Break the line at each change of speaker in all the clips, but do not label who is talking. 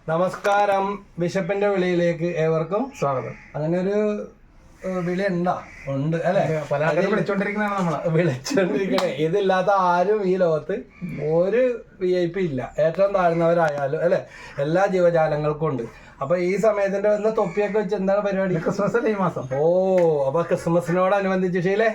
നമസ്കാരം. ബിഷപ്പിന്റെ വിളിയിലേക്ക് ഏവർക്കും
സ്വാഗതം.
അങ്ങനെ ഒരു വിളി ഉണ്ട് അല്ലെ?
പല ആൾക്കാരും വിളിച്ചോണ്ടിരിക്കുന്നതാണ് നമ്മള്
വിളിച്ചോണ്ടിരിക്കണേ. ഇതില്ലാത്ത ആരും ഈ ലോകത്ത് ഒരു VIP ഇല്ല. ഏറ്റവും താഴ്ന്നവരായാലും അല്ലെ, എല്ലാ ജീവജാലങ്ങൾക്കും ഉണ്ട്. അപ്പൊ ഈ സമയത്തിന്റെ വന്ന തൊപ്പിയൊക്കെ വെച്ച് എന്താണ് പരിപാടി?
ക്രിസ്മസ് അല്ലേ ഈ മാസം?
ഓ, അപ്പൊ ക്രിസ്മസിനോടനുബന്ധിച്ച് ശീലേ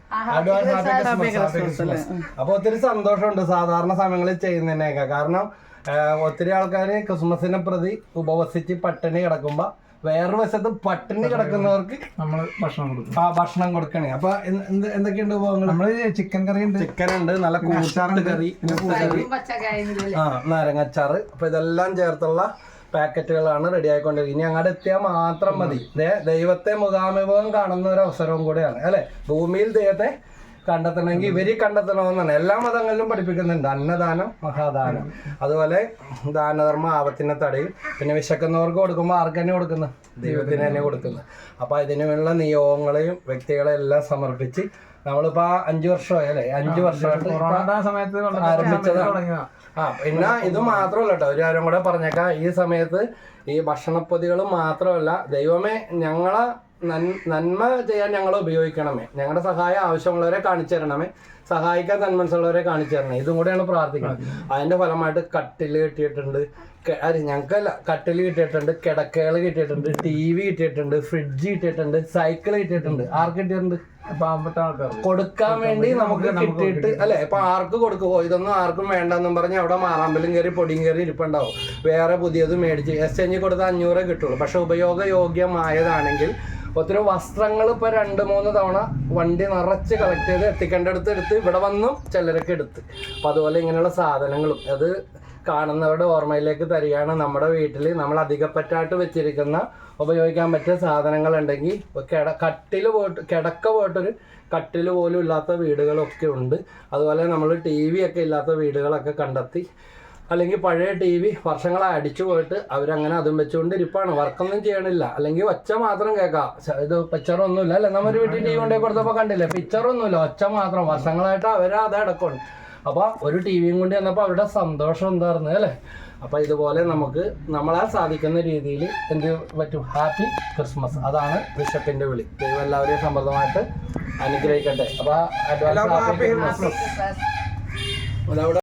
അപ്പൊ ഒത്തിരി സന്തോഷമുണ്ട് സാധാരണ സമയങ്ങളിൽ ചെയ്യുന്നതിനൊക്കെ. കാരണം ഒത്തിരി ആൾക്കാര് ക്രിസ്മസിനെ പ്രതി ഉപവസിച്ച് പട്ടിണി കിടക്കുമ്പോ വേറൊരു വശത്ത് പട്ടിണി കിടക്കുന്നവർക്ക്
നമ്മള് ഭക്ഷണം
കൊടുക്കണേ. അപ്പൊ എന്തൊക്കെയുണ്ട് വിഭവങ്ങൾ?
നമ്മള് ചിക്കൻ കറി ഉണ്ട്,
ചിക്കൻ ഉണ്ട്, നല്ല കൂട്ടാറ് കറി, നാരങ്ങച്ചാറ്. അപ്പൊ ഇതെല്ലാം ചേർത്തുള്ള പാക്കറ്റുകളാണ് റെഡി ആയിക്കൊണ്ടിരിക്കുന്നത്. ഇനി അങ്ങോട്ട് എത്തിയാൽ മാത്രം മതി. ദൈവത്തെ മുഖാമുഖം കാണുന്ന ഒരു അവസരവും കൂടെയാണ് അല്ലെ. ഭൂമിയിൽ ദൈവത്തെ കണ്ടെത്തണമെങ്കിൽ ഇവര് കണ്ടെത്തണമെന്നാണ് എല്ലാ മതങ്ങളിലും പഠിപ്പിക്കുന്നുണ്ട്. അന്നദാനം മഹാദാനം, അതുപോലെ ദാനധർമ്മ ആപത്തിനെ തടയും. പിന്നെ വിശക്കുന്നവർക്ക് കൊടുക്കുമ്പോൾ ആർക്ക് തന്നെ കൊടുക്കുന്നത്? ദൈവത്തിന് തന്നെ കൊടുക്കുന്നത്. അപ്പൊ ഇതിനുള്ള നിയോഗങ്ങളെയും വ്യക്തികളെയും എല്ലാം സമർപ്പിച്ച് നമ്മളിപ്പോ 5 വർഷമായി അല്ലെ, 5 വർഷമായിട്ട് ആരംഭിച്ചതാണ്. പിന്നെ ഇത് മാത്രമല്ല കേട്ടോ, ഒരു കാര്യം കൂടെ പറഞ്ഞേക്കാം. ഈ സമയത്ത് ഈ ഭക്ഷണപ്പൊതികൾ മാത്രമല്ല, ദൈവമേ ഞങ്ങളെ നന്മ ചെയ്യാൻ ഞങ്ങളെ ഉപയോഗിക്കണമേ, ഞങ്ങളുടെ സഹായം ആവശ്യമുള്ളവരെ കാണിച്ചു തരണമേ, സഹായിക്കാൻ തന്മനസ്സുള്ളവരെ കാണിച്ചു തരണേ. ഇതും കൂടെയാണ് പ്രാർത്ഥിക്കുന്നത്. അതിന്റെ ഫലമായിട്ട് കട്ടില് കിട്ടിയിട്ടുണ്ട്, ഞങ്ങൾക്കല്ല, കട്ടില് കിട്ടിയിട്ടുണ്ട്, കിടക്കകൾ കിട്ടിയിട്ടുണ്ട്, TV കിട്ടിയിട്ടുണ്ട്, ഫ്രിഡ്ജ് കിട്ടിയിട്ടുണ്ട്, സൈക്കിൾ കിട്ടിയിട്ടുണ്ട്. ആർക്ക് കിട്ടിയിട്ടുണ്ട്? കൊടുക്കാൻ വേണ്ടി നമുക്ക് കിട്ടിയിട്ട് അല്ലെ. ഇപ്പൊ ആർക്ക് കൊടുക്കുമോ? ഇതൊന്നും ആർക്കും വേണ്ടെന്നും പറഞ്ഞ് അവിടെ മാറാമ്പലും കയറി പൊടിയും കയറി ഇരിപ്പുണ്ടാവും. വേറെ പുതിയത് മേടിച്ച് എക്സ്ചേഞ്ച് കൊടുത്ത് 500 കിട്ടുള്ളൂ. പക്ഷെ ഉപയോഗയോഗ്യമായതാണെങ്കിൽ ഒത്തിരി വസ്ത്രങ്ങൾ ഇപ്പൊ 2-3 തവണ വണ്ടി നിറച്ച് കളക്ട് ചെയ്ത് എത്തിക്കേണ്ടടുത്ത് എടുത്ത് ഇവിടെ വന്നും ചിലരൊക്കെ എടുത്ത്. അപ്പൊ അതുപോലെ ഇങ്ങനെയുള്ള സാധനങ്ങളും അത് കാണുന്നവരുടെ ഓർമ്മയിലേക്ക് തരികയാണ്. നമ്മുടെ വീട്ടിൽ നമ്മൾ അധികപ്പറ്റായിട്ട് വെച്ചിരിക്കുന്ന ഉപയോഗിക്കാൻ പറ്റിയ സാധനങ്ങൾ ഉണ്ടെങ്കിൽ കിടക്ക പോയിട്ടൊരു കട്ടിൽ പോലും ഇല്ലാത്ത വീടുകളൊക്കെ ഉണ്ട്. അതുപോലെ നമ്മൾ TV ഒക്കെ ഇല്ലാത്ത വീടുകളൊക്കെ കണ്ടെത്തി, അല്ലെങ്കിൽ പഴയ TV വർഷങ്ങളായി അടിച്ചു പോയിട്ട് അവരങ്ങനെ അതും വെച്ചുകൊണ്ട് ഇരിപ്പാണ്. വർക്കൊന്നും ചെയ്യണില്ല, അല്ലെങ്കിൽ ഒച്ച മാത്രം കേൾക്കാം. ഇത് പിക്ചറൊന്നുമില്ല അല്ലെ. നമ്മുടെ വീട്ടിൽ TV കൊണ്ടേ കൊടുത്തപ്പോൾ കണ്ടില്ലേ, പിക്ചറൊന്നുമില്ല, ഒച്ച മാത്രം. വർഷങ്ങളായിട്ട് അവരത് അടക്കമാണ്. അപ്പൊ ഒരു TVയും കൊണ്ട് ചെന്നപ്പോൾ അവരുടെ സന്തോഷം എന്തായിരുന്നു അല്ലെ. അപ്പൊ ഇതുപോലെ നമുക്ക് നമ്മളാൽ സാധിക്കുന്ന രീതിയിൽ എന്ത് പറ്റും? Happy Christmas. അതാണ് ബിഷപ്പിന്റെ വിളി. ദൈവം എല്ലാവരെയും സമൃദ്ധമായിട്ട് അനുഗ്രഹിക്കട്ടെ. അപ്പൊ അഡ്വാൻസ് ഹാപ്പി ക്രിസ്മസ്.